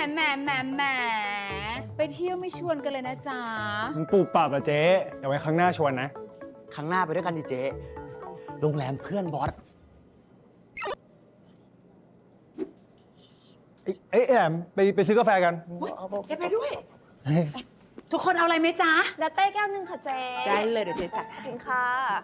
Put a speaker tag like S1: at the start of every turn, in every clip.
S1: แหมไปเที่ยวไม่ชวนกันเลยนะจ๊ะ
S2: มึงปูปรับอะเจ๊เดี๋ยวไว้ครั้งหน้าชวนนะ
S3: ครั้งหน้าไปด้วยกันดิเจ๊โรงแรมเพื่อนบอส
S2: เอ้ยแอมไปซื้อกาแฟกัน
S1: เจ๊ไปด้วย ทุกคนเอาอะไรไหมจ๊ะ
S4: ลาเต้แก้วหนึ่งค่ะเจ๊
S1: ได้เลยเดี๋ยวเจ๊จัด
S4: ขอบ
S1: ให้
S4: คุณค่ะ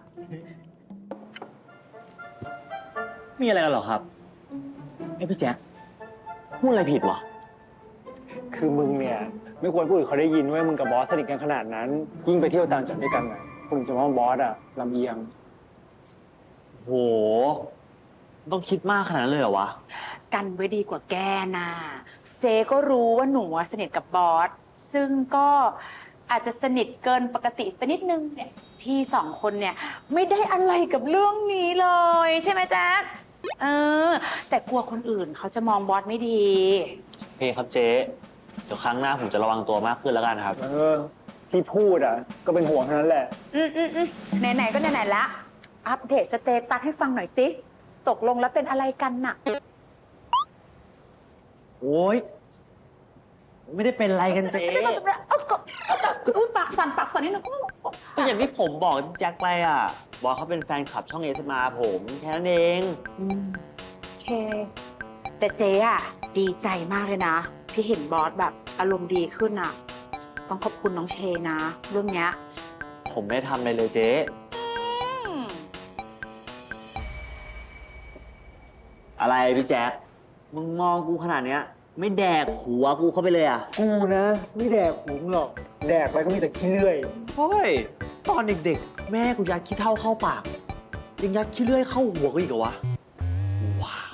S3: มีอะไรกันเหรอครับไอ้พี่แจ๊คพูดอะไรผิดวะ
S2: คือมึงเนี่ยไม่ควรพูดให้เขาได้ยินว่ามึงกับบอสสนิทกันขนาดนั้น ยิ่งไปเที่ยวต่างจังหวัดด้วยกันนะคุณจะมองบอสอะลำเอียง
S3: โหต้องคิดมากขนาดนั้นเลยเหรอวะ
S1: กันไว้ดีกว่าแกน่ะเจ๊ก็รู้ว่าหนูสนิทกับบอสซึ่งก็อาจจะสนิทเกินปกติไปนิดนึงเนี่ยพี่สองคนเนี่ยไม่ได้อะไรกับเรื่องนี้เลยใช่ไหมแจ๊คแต่กลัวคนอื่นเขาจะมองบอสไม่ดี
S3: โอเคครับเจ๊เดี๋ยวครั้งหน้าผมจะระวังตัวมากขึ้นแล้วกันครับ
S2: ที่พูดอะก็เป็นห่วงเท่านั้นแหละ
S1: ไหนๆก็ไหนๆละอัปเดตสเตตัสให้ฟังหน่อยสิตกลงแล้วเป็นอะไรกันน่ะ
S3: โอ้ยไม่ได้เป็นไรกันเจ๊
S1: ปากสั่นนิดนึง
S3: ก็อย่างที่ผมบอกแจ็คไปอ่ะบอกเขาเป็นแฟนคลับช่องเอสมาผมแค่นั้นเอง
S1: โอเค แต่เจ๊อะดีใจมากเลยนะ ที่เห็นบอสแบบอารมณ์ดีขึ้นอะต้องขอบคุณน้องเชนะเรื่องเนี้ย
S3: ผมไม่ได้ทำอะไรเลยเจ๊อะไรพี่แจ็คมึงมองกูขนาดเนี้ยไม่แดกหัวกูเข้าไปเลยอ่ะ
S2: กูนะไม่แดกหุงหรอก แดกไปก็มีแต่ขี้เลื่อย
S3: เฮ้ยตอนเด็กๆ แม่กูยัดขี้เถ้าเข้าปากยังยัดขี้เลื่อยเข้าหัวกูอีกเหรอวะว้าว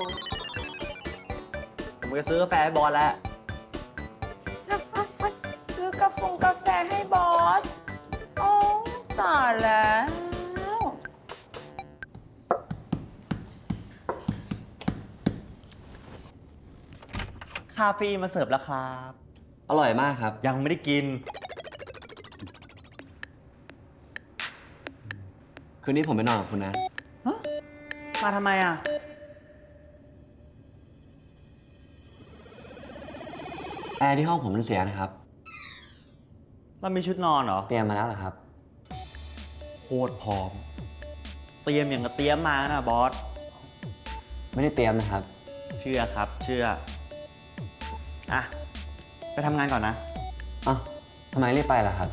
S3: ผมจะซื้อกาแฟให้บอลแล้ว
S1: ซื้อกาแฟให้บอสโอ้ตายแล้ว
S3: คาเฟ่มาเสิร์ฟแล้วครับ
S5: อร่อยมากครับ
S3: ยังไม่ได้กิน
S5: คืนนี้ผมไปนอนกับคุณนะ
S3: มาทำไมอ่ะ
S5: แอร์ที่ห้องผมมันเสียนะครับ
S3: เรามีชุดนอนเหรอ
S5: เตรียมมาแล้วเหรอครับ
S3: โคตรพร้อม เตรียมอย่างกับเตรียมมานะบอส
S5: ไม่ได้เตรียมนะครับ
S3: เชื่อครับ เชื่อ อ่ะ ไปทำงานก่อนนะ
S5: อ้าวทำไมรีบไปล่ะครับ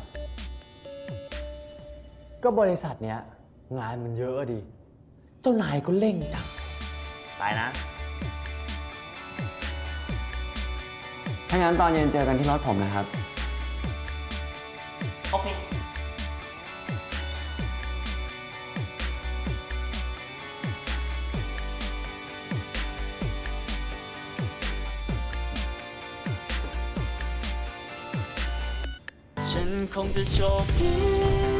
S3: ก็บริษัทเนี้ยงานมันเยอะดิ เจ้านายก็เร่งจังไปนะ
S5: ถ้างั้นตอนเย็นเจอกันที่รถผมนะครับ
S3: โอเค
S6: ฉันคงจะโชคดี